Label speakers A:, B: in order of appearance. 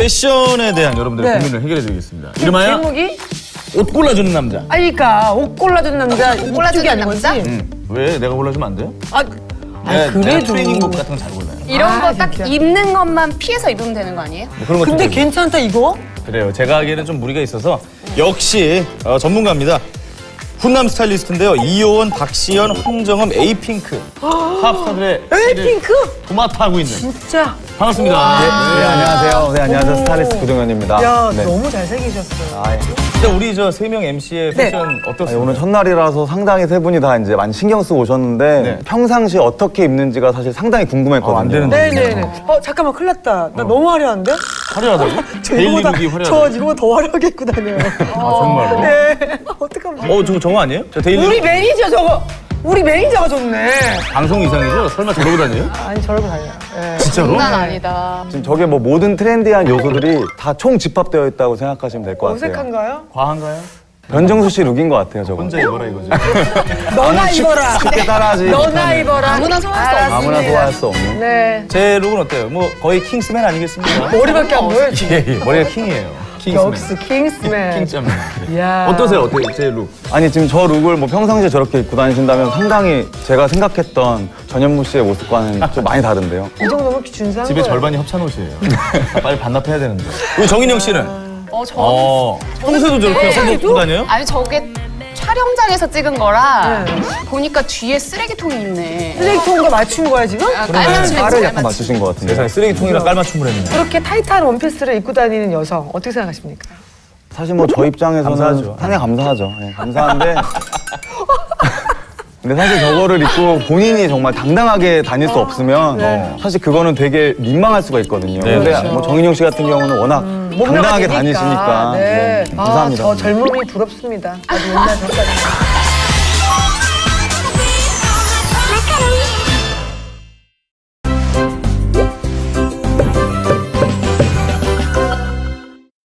A: 패션에 대한 여러분들의
B: 네.
A: 고민을 해결해드리겠습니다. 이름하여
B: 제목이?
A: 옷 골라주는 남자.
B: 그러니까 옷 골라준 남자, 옷 골라주기 아닌 거지?
A: 왜 내가 골라주면 안 돼요? 내가
B: 그래도
A: 트레이닝복 같은 거 잘 골라요.
C: 이런 거 딱
B: 진짜.
C: 입는 것만 피해서 입으면 되는 거 아니에요?
A: 뭐 그런 것도
B: 근데
A: 되고.
B: 괜찮다 이거?
A: 그래요. 제가 하기에는 좀 무리가 있어서 역시 전문가입니다. 훈남 스타일리스트인데요. 이효원, 박시연, 황정음, 에이핑크 팝스타들의
B: 에이핑크?
A: 도맡아하고 있는.
B: 진짜.
A: 반갑습니다.
D: 네, 안녕하세요. 네, 안녕하세요. 스타일리스트 구정현입니다.
B: 야,
D: 네.
B: 너무 잘생기셨어요.
A: 근데 우리 저 세 명 MC의
B: 네.
A: 패션 어떻습니까?
D: 오늘 첫날이라서 상당히 세 분이 다 이제 많이 신경 쓰고 오셨는데
A: 네.
D: 평상시 어떻게 입는지가 사실 상당히 궁금했거든요.
A: 안 되는데.
B: 네네네. 잠깐만 큰일 났다. 나 너무 화려한데?
A: 화려하다고? 데일리 룩이
B: 저
A: 화려하다고?
B: 이거보다 더 화려하게 입고 다녀요.
A: 정말로?
B: 네. 어떡하면.
A: 저거 아니에요? 저 데일리
B: 우리
A: 룩
B: 매니저 저거. 우리 매니저가 좋네.
A: 방송 이상이죠? 설마 저러고 다녀요?
B: 아니 저러고 다녀요. 네.
A: 진짜로?
C: 장난 아니다.
D: 지금 저게 뭐 모든 트렌디한 요소들이 다 총 집합되어 있다고 생각하시면 될 것 같아요.
B: 어색한가요?
A: 과한가요?
D: 변정수 씨 룩인 것 같아요, 저거.
A: 혼자 입어라 이거죠.
B: 너나 입어라.
D: 쉽게 따라하지.
B: 너나 입어라.
C: 아무나 소화할 수 없는.
D: 아무나 소화할 수 없는.
B: 네.
A: 제 룩은 어때요? 뭐 거의 킹스맨 아니겠습니까?
B: 머리밖에 안 보여 지금.
A: 예, 머리가 킹이에요. 킹스맨.
B: 역시 킹스맨.
A: 킹스맨.
B: 야.
A: 어떠세요? 제 룩?
D: 아니 지금 저 룩을 뭐 평상시에 저렇게 입고 다니신다면 상당히 제가 생각했던 전현무 씨의 모습과는 좀 많이 다른데요.
B: 이 정도면 준수한
A: 집에
B: 거예요.
A: 절반이 협찬 옷이에요. 빨리 반납해야 되는데. 우리 정인영 씨는?
C: 저
A: 평소에도 저렇게 한복 입고 다녀요?
C: 아니 저게 촬영장에서 찍은 거라
B: 네.
C: 보니까 뒤에 쓰레기통이 있네.
B: 쓰레기통과 맞춘 거야 지금?
D: 깔을 약간 맞추신 것 같은데.
A: 세상에 쓰레기통이랑 깔맞춤을 했는데.
B: 그렇게 타이트한 원피스를 입고 다니는 여성 어떻게 생각하십니까?
D: 사실 뭐 저 입장에서는
A: 감사하죠.
D: 상당히 감사하죠. 네, 감사한데 근데 사실 저거를 입고 본인이 정말 당당하게 다닐 수 없으면
B: 네.
D: 사실 그거는 되게 민망할 수가 있거든요.
A: 네,
D: 근데
A: 그렇죠.
D: 뭐 정인용 씨 같은 경우는 워낙
B: 몸매가
D: 당당하게
B: 되니까.
D: 다니시니까
B: 네.
D: 감사합니다.
B: 저 젊음이 부럽습니다. 아주 옛날 전까지.